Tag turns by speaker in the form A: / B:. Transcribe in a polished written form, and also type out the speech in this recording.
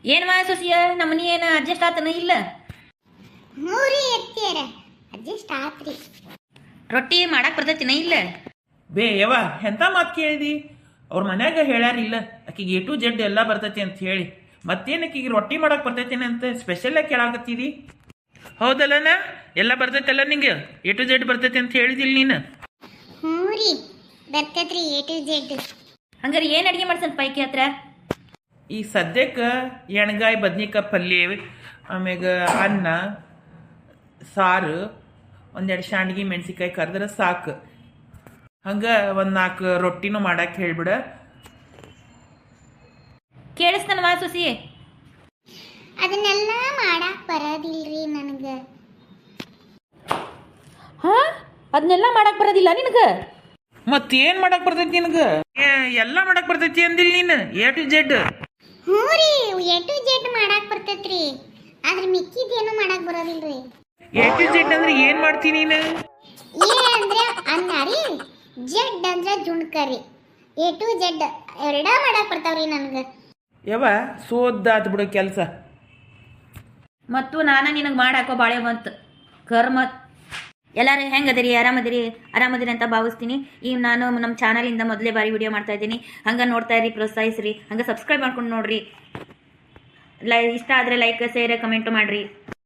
A: ಏನು ಮಾ ಸೊಸಿಯ ನಮ್ಮನಿ ಏನು ಅಡ್ಜಸ್ಟ್ ಆತನ ಇಲ್ಲ?
B: ಮೂರಿ ಎತ್ತಿಯರ ಅಡ್ಜಸ್ಟ್ ಆತ್ರಿ.
A: ರೊಟ್ಟಿ ಮಾಡಕ್ ಬರ್ತೈತಿನ ಇಲ್ಲ?
C: ಬೇ ಯವ್ವ ಎಂಥ ಮಾತು ಕೇಳಿದಿ? ಅವ್ರ ಮನ್ಯಾಗ ಹೇಳ್ಯಾರಿಲ್ಲ ಆಕಿಗೆ ಎ ಟು ಜೆಡ್ ಎಲ್ಲ ಬರ್ತೈತಿ ಅಂತ ಹೇಳಿ. ಮತ್ತೇನು ಆಕಿಗೆ ರೊಟ್ಟಿ ಮಾಡಕ್ಕೆ ಬರ್ತೈತೇನೆ ಅಂತ ಸ್ಪೆಷಲಾಗಿ ಕೇಳಾಕತ್ತಿದಿ? ಹೌದಲ್ಲನ? ಎಲ್ಲ ಬರ್ತೈತಲ್ಲ ನಿಂಗೆ? ಎ ಟು ಜೆಡ್ ಬರ್ತೈತಿ ಅಂತ ಹೇಳಿದಿಲ್ಲ ನೀನು?
B: ಮೂರಿ ಬರ್ತೈತ್ರಿ ಎ ಟು ಜೆಡ್.
A: ಹಂಗಾರೆ ಏನು ಅಡುಗೆ ಮಾಡ್ಸನ್ ಪೈಕಿ ಹತ್ರ?
C: ಈ ಸದ್ಯಕ್ಕೆ ಎಣ್ಗಾಯಿ ಬದ್ನಿಕಾಯಿ ಪಲ್ಯ, ಆಮ್ಯಾಗ ಅನ್ನ ಸಾರು, ಒಂದೆರಡು ಶಾಂಡ್ಗಿ ಮೆಣಸಿಕಾಯಿ ಕರೆದ್ರೆ ಸಾಕು. ಹಂಗೆ ಒಂದು 4 ರೊಟ್ಟಿನೂ ಮಾಡಕ್ಕೆ ಹೇಳ್ಬಿಡ.
A: ಕೇಳಿಸ್ತಾನ ಮಾ ಸೊಸಿ?
B: ಅದನ್ನೆಲ್ಲ ಮಾಡಾಕ್ ಬರೋದಿಲ್ರಿ ನನಗೆ.
A: ಹಾ, ಅದನ್ನೆಲ್ಲ ಮಾಡಕ್ ಬರೋದಿಲ್ಲ ನಿನಗೆ?
C: ಮತ್ತೇನು ಮಾಡಕ್ಕೆ ಬರ್ತೈತಿ ನಿನಗೆ? ಎಲ್ಲ ಮಾಡಕ್ಕೆ ಬರ್ತೈತಿ ಅಂದಿಲ್ಲ ನೀನು? A to Z.
B: ಮೂರಿ ಎ ಟು ಜೆಡ್ ಮಾಡಾಕ್ ಬರ್ತೈತ್ರಿ, ಆದ್ರೆ ಮಿಕ್ಕಿದೇನು ಮಾಡಾಕ್ ಬರೋದಿಲ್ರಿ.
C: ಎ ಟು ಜೆಡ್ ಅಂದ್ರೆ ಏನು ಮಾಡ್ತೀನಿ ನೀನು?
B: ಎ ಅಂದ್ರೆ ಅನ್ನ ರೀ, ಜೆಡ್ ಅಂದ್ರೆ ಜುಣ್ಕರಿ. ಎ ಟು ಜೆಡ್ ಎರಡ ಮಾಡಾಕ್ ಬರ್ತಾವ್ರಿ ನನಗೆ.
C: ಯವ್ವ ಸೋದ್ದಾತ್ ಬಿಡು ಕೆಲಸ.
A: ಮತ್ತು ನಾನು ನಿನಗೆ ಮಾಡಾಕೋ ಬಾಳೆ ಬಂತು ಕರ್ಮ. ಎಲ್ಲರೂ ಹೆಂಗದಿರಿ? ಆರಾಮದಿರಿ ಅಂತ ಭಾವಿಸ್ತೀನಿ. ಈಗ ನಾನು ನಮ್ಮ ಚಾನಲಿಂದ ಮೊದಲೇ ಬಾರಿ ವಿಡಿಯೋ ಮಾಡ್ತಾ ಇದ್ದೀನಿ. ಹಂಗೆ ನೋಡ್ತಾ ಇರಿ, ಪ್ರೋತ್ಸಾಹಿಸ್ರಿ. ಹಂಗೆ ಸಬ್ಸ್ಕ್ರೈಬ್ ಮಾಡ್ಕೊಂಡು ನೋಡ್ರಿ. ಇಷ್ಟ ಆದರೆ ಲೈಕ್, ಶೇರ್, ಕಮೆಂಟು ಮಾಡಿರಿ.